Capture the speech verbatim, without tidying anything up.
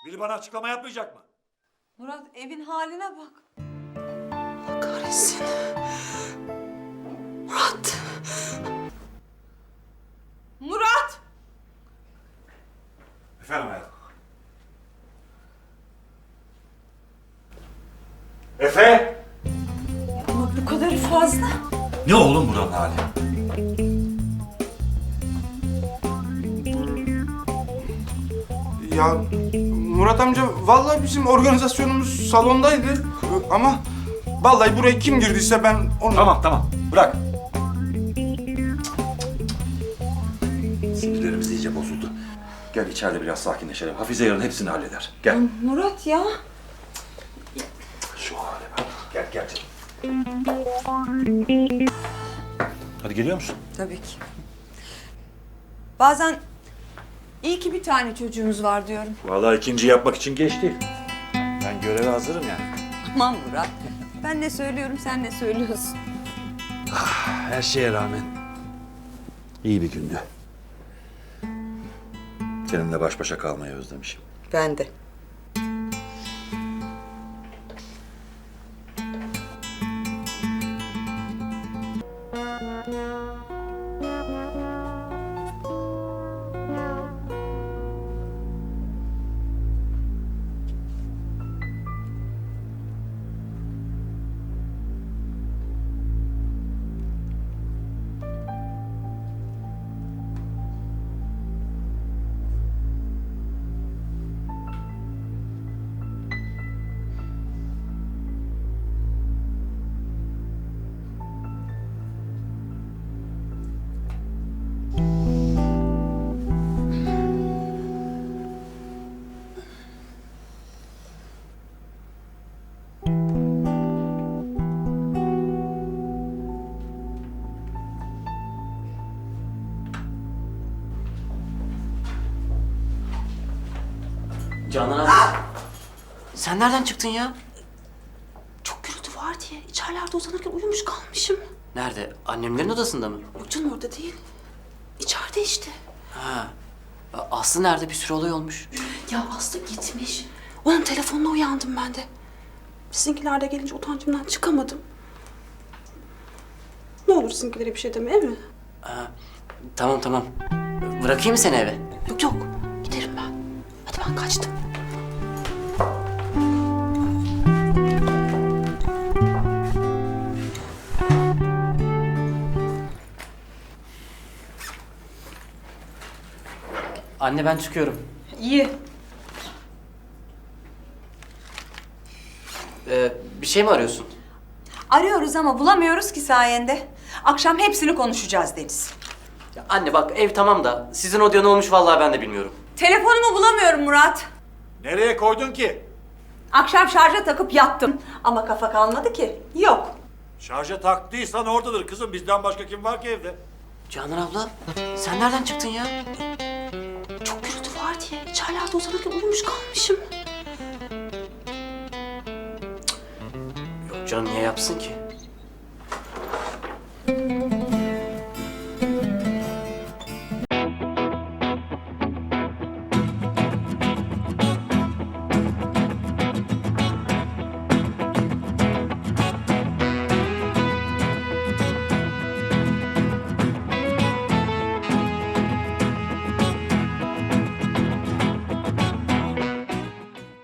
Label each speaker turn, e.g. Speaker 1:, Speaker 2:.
Speaker 1: Biri bana açıklama yapmayacak mı?
Speaker 2: Murat evin haline bak.
Speaker 3: Allah kahretsin. Murat.
Speaker 2: Murat!
Speaker 1: Efendim hayatım. Efe!
Speaker 2: Ama bu kadarı fazla.
Speaker 1: Ne oğlum buranın hali?
Speaker 4: Ya Murat amca vallahi bizim organizasyonumuz salondaydı ama vallahi buraya kim girdiyse ben onu...
Speaker 1: Tamam tamam bırak. Sinirlerimiz iyice bozuldu. Gel içeride biraz sakinleşelim. Hafize yarın hepsini halleder. Gel.
Speaker 2: Murat ya.
Speaker 1: Şu hale bak. Gel gel canım. Hadi geliyor musun?
Speaker 2: Tabii ki. Bazen iyi ki bir tane çocuğumuz var diyorum.
Speaker 1: Vallahi ikinci yapmak için geç değil. Ben göreve hazırım yani.
Speaker 2: Aman Murat. Ben ne söylüyorum sen ne söylüyorsun?
Speaker 1: Her şeye rağmen iyi bir gündü. Seninle baş başa kalmayı özlemişim.
Speaker 2: Ben de.
Speaker 3: Canan abi. Sen nereden çıktın ya?
Speaker 5: Çok gürültü var diye içerilerde uzanırken uyumuş kalmışım.
Speaker 3: Nerede? Annemlerin odasında mı?
Speaker 5: Yok canım orada değil. İçeride işte.
Speaker 3: Ha. Aslı nerede? Bir sürü olay olmuş.
Speaker 5: Ya Aslı gitmiş. Onun telefonuna uyandım ben de. Sizinkiler de gelince utancımdan çıkamadım. Ne olur sizinkilere bir şey deme, değil mi?
Speaker 3: Ha. Tamam tamam. Bırakayım mı seni eve?
Speaker 5: Yok yok, giderim ben. Hadi ben kaçtım.
Speaker 3: Anne ben çıkıyorum.
Speaker 2: İyi.
Speaker 3: Ee, bir şey mi arıyorsun?
Speaker 2: Arıyoruz ama bulamıyoruz ki sayende. Akşam hepsini konuşacağız Deniz.
Speaker 3: Ya anne bak ev tamam da sizin odaya ne olmuş vallahi ben de bilmiyorum.
Speaker 2: Telefonumu bulamıyorum Murat.
Speaker 1: Nereye koydun ki?
Speaker 2: Akşam şarja takıp yattım. Ama kafa kalmadı ki. Yok.
Speaker 1: Şarja taktıysan oradadır kızım. Bizden başka kim var ki evde?
Speaker 3: Canan abla sen nereden çıktın ya?
Speaker 5: Çok gürültü var diye içerilerde uzanırken uyumuş kalmışım.
Speaker 3: Yok canım niye yapsın ki?